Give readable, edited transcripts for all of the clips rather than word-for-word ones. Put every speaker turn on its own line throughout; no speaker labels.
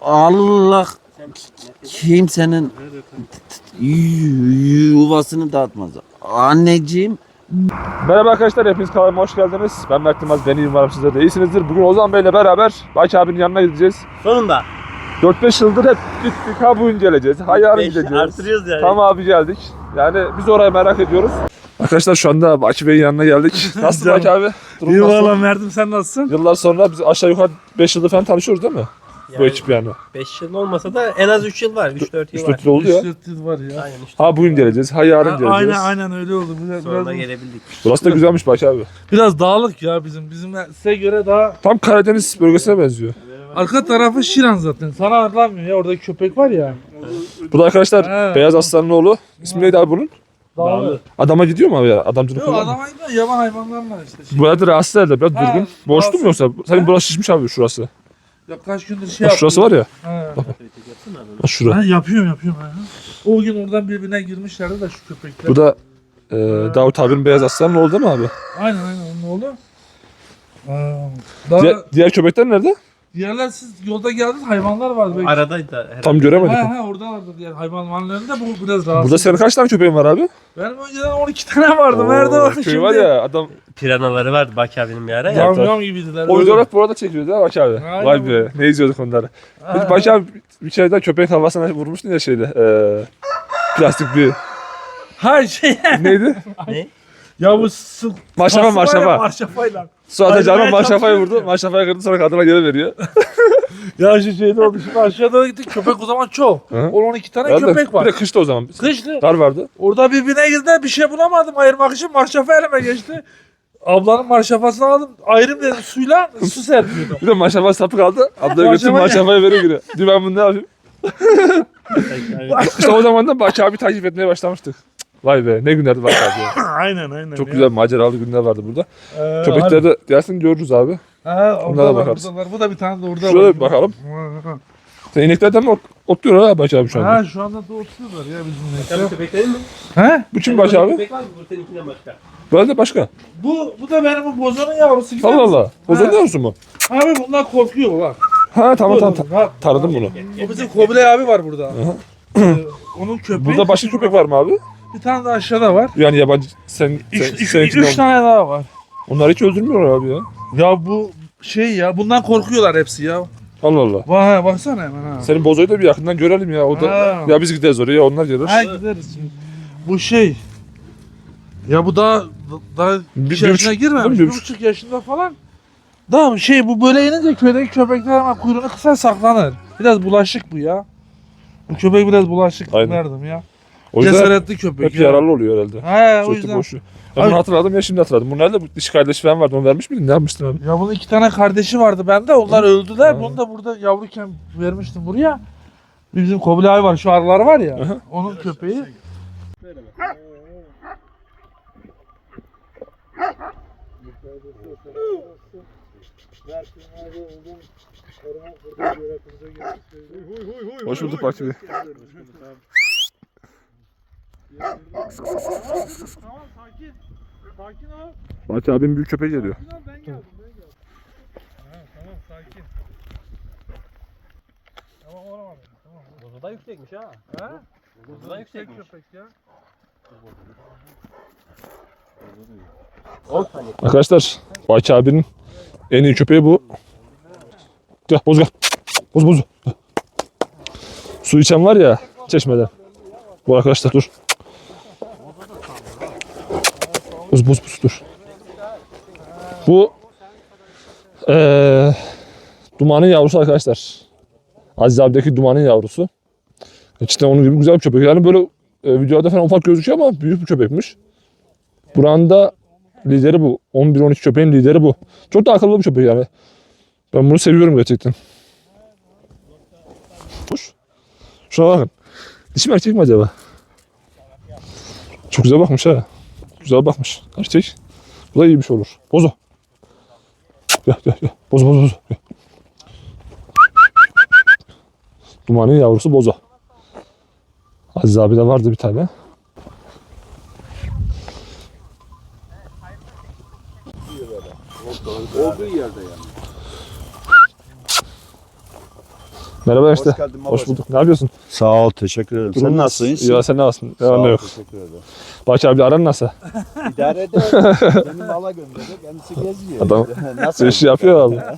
Allah kimsenin yuvasını dağıtmaz. Anneciğim.
Merhaba arkadaşlar, hepiniz kanalıma hoş geldiniz. Ben Mert Yılmaz, ben umarım sizler de iyisinizdir. Bugün Ozan Bey'le beraber Baki abinin yanına gideceğiz.
Sonunda.
4-5 yıldır hep gittik, ha bugün geleceğiz, ha yarın gideceğiz.
Artırıyoruz yani.
Tamam abi geldik. Yani biz orayı merak ediyoruz. Arkadaşlar şu anda Baki Bey'in yanına geldik. Nasılsın Baki abi?
İyi valla Mert'im, sen nasılsın?
Yıllar sonra biz aşağı yukarı 5 yıldır falan tanışıyoruz değil mi? Bu ekip yani.
5 yıl olmasa da en az 3 yıl var. 3-4 yıl var.
3-4 yıl oldu ya.
3-4 yıl var ya.
Aynen 3
Ha bugün geleceğiz, ha yarın geleceğiz.
Aynen öyle oldu.
Sonunda gelebildik.
Burası da güzelmiş Baki abi.
Biraz dağlık ya bizim. Bizim size göre daha...
Tam Karadeniz bölgesine benziyor.
Arka tarafı Şiran zaten. Sana anlatmıyor ya, orada köpek var ya.
Bu da arkadaşlar
He.
Beyaz Aslan'ın oğlu. İsmi neydi abi bunun?
Dağlık.
Adama gidiyor mu abi ya? Adamcılık
Yok,
falan mı?
adama gidiyor, yaban hayvanlarla işte.
Bu arada rahatsız herhalde, biraz
Ha,
durgun. Boşluk mu yoksa? Senin
Ha?
burası şişmiş abi şurası.
Ya kaç gündür şey
Bak şurası var ya.
Ha.
Bak şura.
Ha, yapıyorum. Ha. O gün oradan birbirine girmişlerdi de şu köpekler.
Bu da Davut abinin Beyaz Aslan'ın oğlu değil mi abi?
Aynen onun oğlu. Daha
Diğer köpekler nerede?
diğerler, siz yolda geldiniz, hayvanlar vardı. Belki.
Aradaydı herhalde.
Tam göremedik.
Orada vardı diğer hayvanlarında, bu biraz rahatsız.
Burada senin kaç tane köpeğin var abi?
Benim önceden 12 tane vardı. Nerede var
köy
şimdi?
var ya adam.
Piranaları vardı Baki abinin bir ara ya.
Yam gibiydiler.
O videolar burada çekiyordu değil mi Baki abi?
Aynen.
Vay be, ne izliyorduk onları. Biz Baki abi bir kere daha köpeğin havasına vurmuştun ya şeyde. Plastik bir
Ha şey.
neydi?
Ne?
Ya bu su.
Maşrafa,
pası var ya,
maşrafa.
Maşrafayla.
Su atacağına
Ayrılmaya
maşrafayı vurdu.
çalışıyor.
Maşrafayı kırdı, sonra kadına geri veriyor.
Ya şu şeyde oldu. Şimdi aşağıda gittik. Köpek o zaman çok.
Hı.
10-12 tane
Herhalde
köpek var.
Bir de kışta o zaman.
Kışlı.
Kar vardı.
Orada birbirine girdiler. Bir şey bulamadım ayırmak için. Maşrafa elime geçti. Ablanın marşafasını aldım. Ayrım dedim suyla, su serpiyordum.
Bir de maşrafa sapı kaldı. Ablaya götür
Maşrafa-
maşrafayı veriyor geri. Diyor ben bunu ne yapayım? İşte o zaman da Baki abi takip etmeye başlamıştık. Vay be, ne günlerdi Baki abi ya.
aynen.
Çok
ya.
güzel maceralı günler vardı burada.
Harbi.
Köpekleri de dersin görürüz abi.
Ha,
Bunlara
orada var,
bakarız.
orada var. Bu da bir tane de orada
Şurada
var.
bir bakalım.
Ha.
Sen ineklerden mi otluyor ha Baki abi şu anda?
Ha, şu anda da oturuyorlar ya bizim
Sen bu
nektar.
köpeklerin mi?
He?
Bu kim Baki abi?
Köpek var mı? Bu seninkinden başka.
Böyle de başka.
Bu da benim bu bozanın yavrusu gibi.
Allah Allah. Bozan ne olsun mu?
Abi bunlar korkuyor bak.
Ha tamam tamam.
Bak,
Tanıdım bunu.
o bizim Kobilay abi var burada. Onun köpeği.
Burada başka köpek var mı abi?
Bir tane de aşağıda var.
Yani yabancı seninkinden.
3 tane daha var.
Onlar hiç öldürmüyorlar abi ya.
Ya bu şey ya, bundan korkuyorlar hepsi ya.
Allah Allah.
Vay, baksana hemen ha.
Senin bozoyu da bir yakından görelim ya. O da
Ha.
ya biz gideriz oraya, onlar gelir.
Ha, gideriz şimdi. Bu şey. Ya bu daha
Bir
bir yaşına
buçuk-
girmemiş.
bir
1,5 yaşında falan. Daha şey, bu böyle inince köydeki köpekler hemen kuyruğunu kısar saklanır. Biraz bulaşık bu ya. Bu köpek biraz bulaşık
Aynen.
derdim ya.
O yüzden
Cesaretli köpek
hep
ya.
yararlı oluyor herhalde.
He, o
Sürekli
yüzden.
boşu. Ben
Abi-
bunu hatırladım ya, şimdi hatırladım. Bu nerede? Bu dişi kardeşi falan vardı. Onu vermiş miydin? Ne yapmıştın abi?
Ya bunun 2 tane kardeşi vardı bende. Onlar öldüler.
Ha.
Bunu da burada yavruyken vermiştim buraya. Bizim Kobilay var. Şu arılar var ya.
Aha.
Onun köpeği.
Hoş bulduk Baki Bey.
Tamam, sakin. Sakin ol.
Baki abinin büyük köpeği geliyor.
Sakin ol, ben geldim. Tamam, sakin. Tamam, olamadı. Tamam.
Bozu da yüksekmiş ha.
Ha?
Bozu da yüksekmiş.
Köpek ya.
Arkadaşlar Baki abinin en iyi köpeği bu. Gel boz gel. Boz. Gel. Su içen var ya çeşmeden. Bu arkadaşlar dur. Boz dur. Bu Duman'ın yavrusu arkadaşlar. Aziz abideki Duman'ın yavrusu. İşte onun gibi güzel bir köpek. Yani böyle videoda falan ufak gözüküyor ama büyük bir köpekmiş. Buranın da lideri bu. 11-12 köpeğin lideri bu. Çok da akıllı bir köpek yani. Ben bunu seviyorum gerçekten. Hoş. Şuna bakın. Dişi mi erkek mi acaba? Çok güzel bakmış ha. Güzel bakmış. Erkek. Bu da iyi bir şey olur. Bozo. Gel. Bozo. Gel. Dumanın yavrusu Bozo. Aziz abi de vardı bir tane.
Olduğu yerde yani.
Merhaba işte.
Hoş geldin
Hoş
babacığım.
bulduk. Ne yapıyorsun?
Sağ ol, teşekkür ederim. Sen nasılsın?
Ya sen ne yapsın?
Sağ
Ya ne
ol,
yok.
teşekkür ederim.
Baki abi aran nasıl?
İdare eder. Beni mala gönderdi, kendisi geziyor.
Adam
Nasıl?
işi yapıyor valla.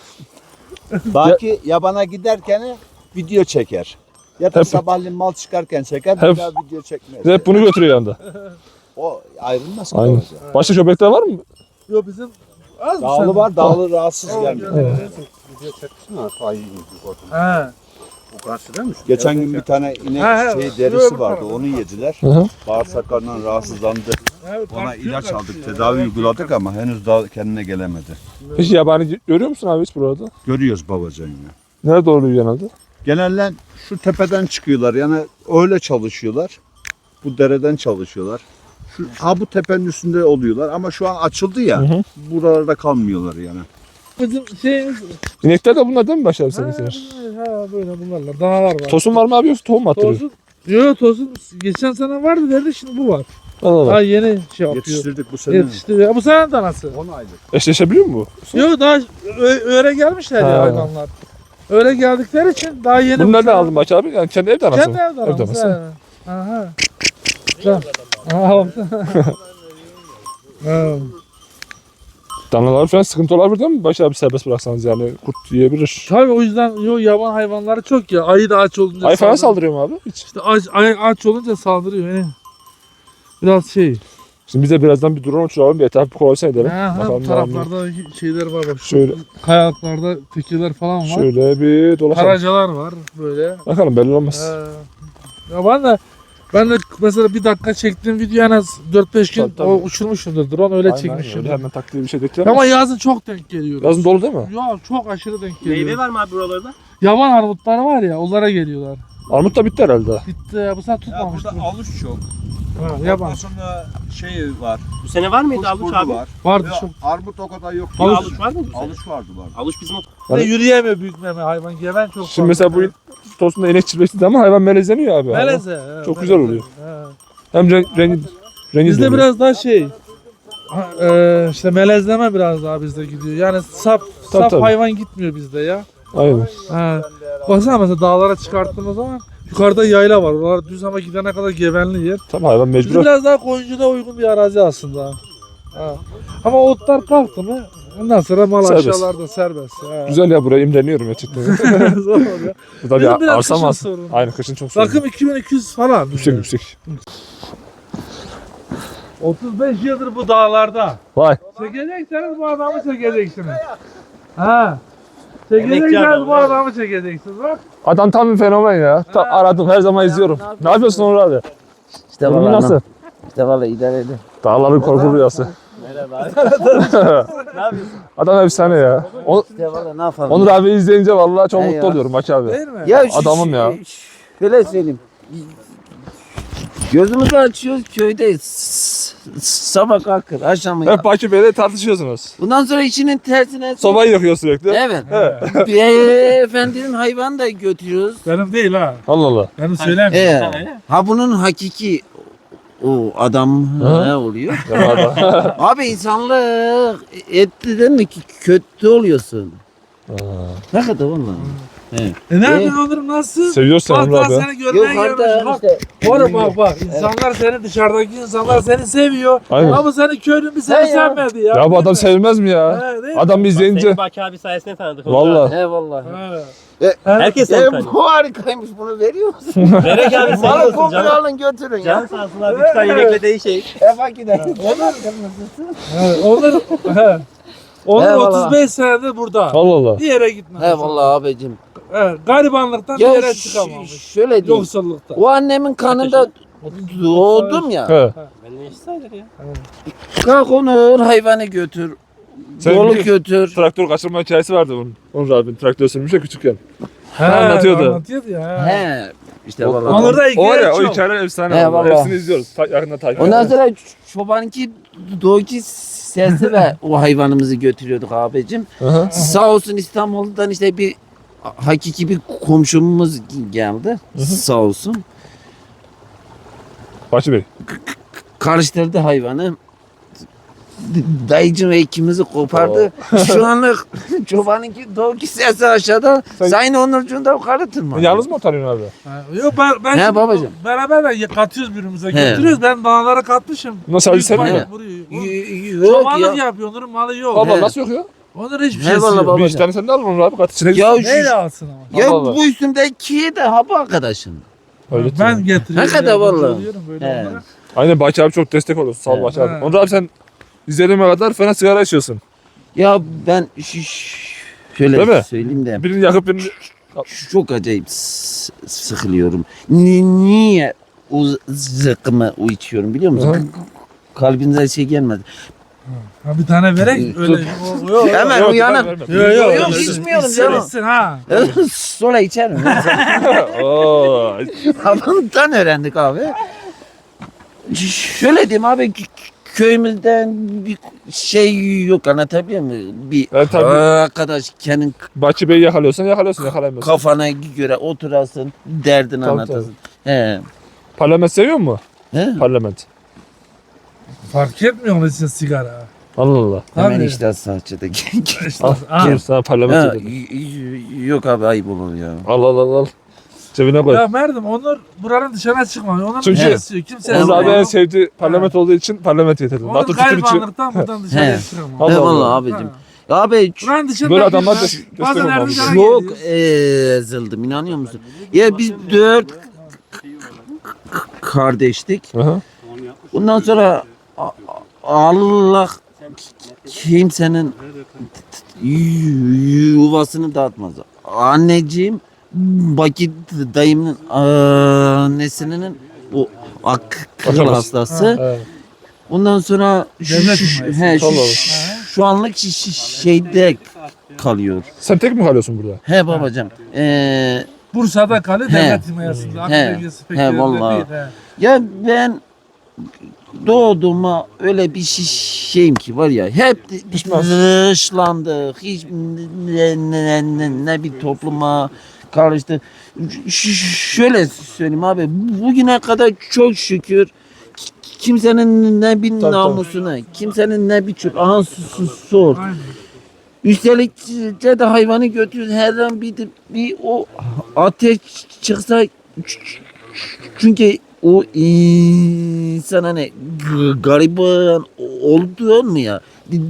Baki yabana giderken video çeker. Ya da
Hep-
sabahleyin mal çıkarken çeker,
Hep-
bir daha video çekmez.
Hep bunu götürüyor yanında.
O ayrılmaz ki
Aynen.
babacığım.
Başka köpekler var mı?
Yok bizim az mı
Dağlı
sen?
var, dağlı rahatsız gelmiyor.
He.
Geçen gün bir tane inek
Ha,
derisi vardı, onu yediler.
Hı hı.
Bağırsaklarından rahatsızlandı.
Evet,
Ona
bak,
ilaç
diyor
aldık, tedavi uyguladık ama henüz daha kendine gelemedi.
Peki yabani görüyor musun abi hiç burada?
Görüyoruz babacığım ya.
Nerede oluyor genelde?
Genelde şu tepeden çıkıyorlar, yani öyle çalışıyorlar. Bu dereden çalışıyorlar. Bu tepenin üstünde oluyorlar ama şu an açıldı ya.
Hı hı.
Buralarda kalmıyorlar yani.
Bizim şeyimiz.
İnekler de bunlar değil mi Başar abi seninkiler?
Ha böyle bunlarla. Dağlar var.
Tosun var mı abi yoksa tohum mu attırıyor?
Tosun. Yok tosun geçen sene vardı derdi şimdi bu var.
Allah Allah.
Ha yeni şey yapıyor.
Yetiştirdik bu sene.
Yetişti. Ya bu sene danası.
10 aylık.
Eşleşebiliyor mu bu?
Yok daha öyle gelmişler
Ha.
ya hayvanlar. Öyle geldikleri için daha yeni.
Bunu nereden aldın Baki abi? Yani kendi evde anasın.
Kendi evde
Evde
danası.
anası.
he. Aha. Tamam. Aha baktın. Ha.
Danalar falan sıkıntı olabilir değil mi? Başar abi serbest bıraksanız yani kurt yiyebilir.
Tabii o yüzden yaban hayvanları çok ya. Ayı da aç olunca
Ay falan
saldırıyor.
saldırıyor mu abi? Hiç.
İşte aç olunca saldırıyor. Yani. Biraz şey.
Şimdi bize birazdan bir drone uçuralım bir etrafı bir kolaysa edelim.
Ha, bu
Bakalım ne
taraflarda şeyler var bak. Şu
Şöyle.
kayalıklarda tekeler falan var.
Şöyle bir dolaşalım.
Karacalar var böyle.
Bakalım belli olmaz.
Ya ben de mesela bir dakika çektiğim video en az 4-5 gün
Tabii, tabii.
o uçurmuşumdur. Drone öyle
Aynen,
çekmişim.
öyle hemen taktiği bir şey değil.
Ama yazın çok denk geliyor.
Yazın dolu değil mi?
Ya çok aşırı denk geliyor.
Meyve var mı abi buralarda?
Yaban armutları var ya onlara geliyorlar.
Armut da bitti herhalde.
Bitti ya bu sefer
Ya
tutmamıştır.
burada aluç çok.
Ha, yaban.
Sonra şey var.
Bu sene var mıydı aluç
Kuşburnu
abi?
var.
Vardı
Ya,
çok.
armut o kadar yok.
Aluç,
Aluç,
var mı bu sene?
aluç vardı var.
Aluç bizim o.
Hani-
Yürüyemiyor büyük meme hayvan. Geven çok
Şimdi mesela bu tosunda inek çiftleşti ama hayvan melezleniyor abi.
Meleze.
Çok güzel oluyor.
Ha.
Hem rengi
Bizde
dönüyor.
biraz daha şey. İşte melezleme biraz daha bizde gidiyor. Yani saf
tabii.
hayvan gitmiyor bizde ya.
Aynen.
Ha. Baksana mesela dağlara çıkarttığımız zaman yukarıda yayla var. Oralar düz ama gidene kadar gevenli yer.
Tamam hayvan
Biz
mecbur.
biraz daha koyuncuda uygun bir arazi aslında. Ha. Ama otlar kalktı mı ondan sonra mal
Serbest.
aşağılarda serbest. Ha.
Güzel ya buraya imreniyorum gerçekten.
Zor oluyor.
Burada
Bizim
bir
biraz
arsam
kışın
var.
sorunu.
Aynen kışın çok sorun.
Rakım 2200 falan.
Yüksek yüksek.
35 yıldır bu dağlarda.
Vay.
Çekecekseniz bu adamı çekeceksiniz. Ha.
Emekçi
Çekecekseniz
adam,
bu
evet.
adamı çekeceksiniz. Bak.
Adam tam bir fenomen ya. Aradım her zaman izliyorum. Ne yapıyorsun Onur abi?
İşte
Durumun
vallahi
nasıl?
İşte vallahi idare edin.
Dağların korku rüyası.
Merhaba. Ne yapıyorsun?
Adam efsane ya.
İşte vallahi ne yapalım.
Onur abi izleyince vallahi çok
He
mutlu
ya.
oluyorum Baki abi.
Değil mi?
Ya
Adamım ya.
Şöyle söyleyeyim. Gözümüzü açıyoruz köyde sabah kalkır akşam
Hep Baki Bey'le tartışıyorsunuz.
bundan sonra işinin tersine
Sobayı yakıyor sürekli.
Evet. Beyefendinin hayvan da götürüyoruz.
Benim değil ha.
Allah Allah.
Benim söylemiyorum.
Ha bunun hakiki o adam ne oluyor?
Ya adam.
Abi insanlık etti değil mi ki kötü oluyorsun. Ne kadar vallahi.
Ne yapıyorsun Onur nasıl?
Seviyorsun
Bak
Onur
daha
abi.
seni görmeye gelmiş.
Yukarıda
Bak.
işte.
Oğlum bak insanlar seni dışarıdaki insanlar seni seviyor.
Aynen.
Ama seni köylü bir seni
He ya.
sevmedi ya.
Ya bu adam sevmez mi ya?
He, değil mi?
Adam izleyince.
Seni Baki abi sayesinde tanıdık.
Vallahi.
He vallahi.
He.
Herkes seni tanıyor.
Bu harikaymış bunu veriyor musun?
Verek abi sen
Malı
olsun
kokunu
canım.
alın götürün
Can
ya.
sağ olsun abi. 3 tane inekle değişeyim.
Bak gidelim.
Onur
Eyvallah.
35 senedir burada.
Allah Allah.
Bir yere gitmez.
He vallahi abicim.
Evet, garibanlıktan bir
Ya
yere çıkamamış.
şöyle diyeyim.
Yoksullukta.
O annemin kanında doğdum ya.
He.
Ben ne iş sayılır ya?
Kalk Onur hayvanı götür.
Sen
Yolu
bir-
götür.
Traktör kaçırma hikayesi vardı onun. Onur abi traktör sürmüş ya küçükken.
He,
anlatıyordu.
Anlatıyordu ya.
He. İşte vallahi.
Onur da
O var
hikaye
ya o
çok.
hikayeler efsane.
He,
vallahi.
vallahi.
Hepsini izliyoruz. Yakında takip
Ondan
ediyoruz.
sonra çobanki doğuki sesi ve o hayvanımızı götürüyorduk abicim.
Hı hı.
Sağ olsun İstanbul'dan işte bir hakiki bir komşumuz geldi. Sağ olsun.
Baki Bey.
Karıştırdı hayvanı. dayıcım ve ikimizi kopardı. Şu anlık çobanınki doğu sesi aşağıda.
Sen-
Sayın Onurcuğun da yukarı tırmanıyor.
Yalnız mı oturuyorsun abi?
Ha, yok ben
He,
şimdi
babacığım.
beraber de katıyoruz birbirimize
He.
götürüyoruz. Ben dağlara katmışım.
Nasıl
Büyük
sen
balık
mi?
vuruyor.
Yok
Çobanlık
ya.
yapıyor. Onların malı yok.
Allah
He.
nasıl yok ya?
Onların hiçbir
He,
şeysi
vallahi
yok.
baba.
Bir iki tane sen de al onu abi. Kat içine
Ya
gitsin.
Neyle alsın ama?
Ya
Allah Allah.
bu üstümdeki de ha bu arkadaşın.
Öyle
Ben getiriyorum.
Hakikaten
yardımcı
vallahi.
oluyorum böyle
He.
onlara.
Aynen Baki abi çok destek oluyorsun. Sağ ol
He.
Baki abi.
He.
Onur abi sen izlediğime kadar fena sigara içiyorsun.
Ya ben şöyle
Değil mi?
söyleyeyim de
Birini yakıp birini...
çok acayip sıkılıyorum. Niye o zıkkımı içiyorum biliyor musun?
Hı.
Kalbinize şey gelmedi.
Ha, bir tane verek öyle. Yok.
Hemen
Yok,
uyanık.
ben vermem.
Yok, içmiyorum canım.
İçsin ha.
Sonra içerim.
Oo.
Babamdan öğrendik abi. Şöyle diyeyim abi köyümüzden bir şey yok anlatabiliyor muyum? Bir
Evet, tabii.
arkadaş kendin
Baki Bey'i yakalıyorsan yakalıyorsun, yakalayamıyorsun.
kafana göre oturasın, derdini
Tabii,
anlatasın. He.
Parlament seviyor musun?
He.
Parlament.
Fark etmiyor onun için sigara.
Allah Allah.
Hemen
Tabii.
işte saçıda.
İşte,
Al,
ha.
dur sana parlament
Ha,
ödedim.
yok abi ayıp olur ya.
Al al al al. Cebine koy.
Ya Merdim onlar buranın dışına çıkmıyor. Onlar
Çünkü-
bir şey istiyor. Kimse
Onur
Allah
abi en
Allah.
sevdiği parlament olduğu için parlament getirdim.
Onun
Hatta tutun için.
garibanlıktan buradan dışarıya
He.
çıkamıyor.
Allah
He
Allah.
vallahi abicim. Abi
Buranın dışında
Böyle adamlar
bir-
da destek
bazen
olmalı.
Erzincan'a
çok
geliyor.
ezildim inanıyor musun? Ya biz 4 kardeştik.
Aha.
Bundan sonra Allah kimsenin yuvasını dağıtmaz. Anneciğim Baki dayımın annesinin o akıl
Bakamaz.
hastası.
Evet.
Ondan sonra
Devlet himayesi.
Allah Allah.
şu anlık şeyde kalıyor.
Sen tek mi kalıyorsun burada?
He babacığım.
Bursa'da kalıyor
He.
devlet himayesinde. Akıl
He.
dengesi pek yerinde
vallahi.
değil, he.
Ya ben doğduğuma öyle bir şeyim ki var ya hep
Pişman.
dışlandık. Hiç ne bir topluma karıştı. Şöyle söyleyeyim abi bugüne kadar çok şükür kimsenin ne bir
Tabii,
namusuna, kimsenin ne bir çöp. Aha sor.
Aynen.
Üstelik de hayvanı götürüyoruz. Her an bir o ateş çıksa çünkü o insan hani gariban olduğu mu ya?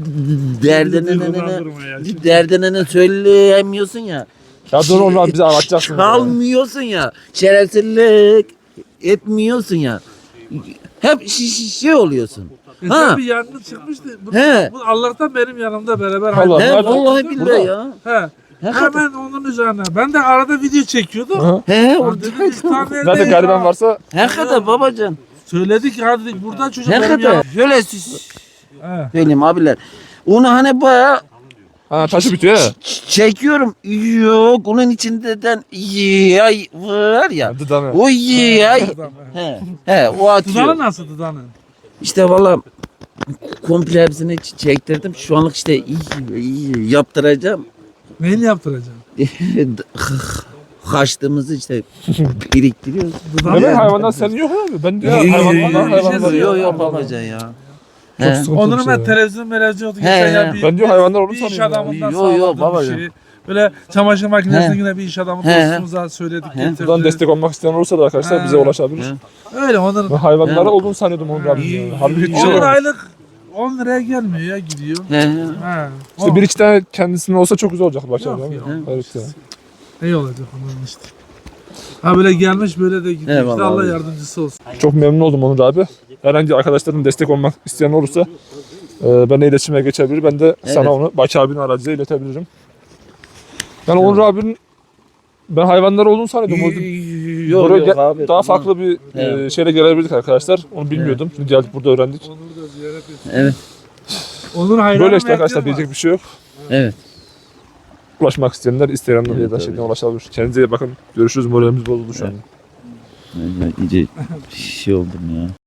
Derdine söyleyemiyorsun ya.
Ya dur Onur abi bizi ağlatacaksın.
Çalmıyorsun ya. Şerefsizlik etmiyorsun ya. Hep şey oluyorsun.
Geçen
Ha.
bir yangın çıkmıştı.
He.
Bu Allah'tan benim yanımda beraber.
Allah.
He
Nerede?
vallahi billahi ya.
He.
Hakikaten.
Hemen onun üzerine. Ben de arada video çekiyordum.
Aha.
He
Lan
orada.
dedim, biz tam
Nerede
neredeyiz
gariban
ya?
varsa
Hakikaten babacan.
Söyledik ya dedik buradan çocuk benim
Hakikaten.
yanım.
Şöyle
He.
söyleyeyim abiler. Onu hani bayağı
ha, taşı bitiyor ya.
çekiyorum. Yok onun içinden yay var ya.
Dıdanı.
O yay.
Adam, he.
He o
Dudanı
atıyor.
nasıl dudanı?
İşte valla komple hepsini çektirdim. Şu anlık işte iyi yaptıracağım.
Neyini yaptıracaksın?
Kaçtığımızı işte biriktiriyoruz.
Dudanı
Demek
yani.
hayvandan sen yok abi. Ben diyor hayvandan var.
Yok yok babacan ya.
Çok
He.
sıkıntı
Onları
bir şey
ben
ya.
televizyon
He,
geçen ya
he.
Ben diyor hayvanlar onu
bir iş
sanıyorum.
adamından
Yo, yo,
sağladım
baba
bir
ya.
şey. Böyle çamaşır makinesine
He.
yine bir iş adamı
He, he.
dostumuza söyledik.
He.
getirdi.
Buradan destek olmak isteyen olursa da arkadaşlar
Ha.
bize ulaşabilir.
He.
Öyle onların.
Ben hayvanlara
He.
olduğunu sanıyordum Onur abi. ya. Halbuki hiç şey
10
yok.
aylık 10 liraya gelmiyor ya gidiyor.
He.
Ha.
İşte bir iki tane kendisinin olsa çok güzel olacak başlar.
Yok,
değil mi?
yok.
Evet ya.
İyi olacak onların işte. Ha böyle gelmiş böyle de gidiyor.
Eyvallah
İşte Allah
abi.
yardımcısı olsun.
Çok memnun oldum Onur abi. Herhangi arkadaşların destek olmak isteyen olursa benimle iletişime geçebilir. Ben de sana
Evet.
onu Baki abinin aracıyla iletebilirim. Yani Onur abinin ben hayvanlar olduğunu sanıyordum.
Yok
Buraya
yok abi.
daha farklı bir
Evet.
şeyle gelebilirdik arkadaşlar. Onu bilmiyordum. Şimdi geldik burada öğrendik.
Onur da ziyaret etsin.
Evet.
Onur hayranı
Böyle işte arkadaşlar
bekliyorum
diyecek bir şey yok.
Evet.
Ulaşmak isteyenler Instagram'dan
Evet,
ya da
tabii.
şeyden ulaşabilir. Kendinize iyi bakın. Görüşürüz. Moralimiz bozuldu şu an.
İyice şey oldum ya.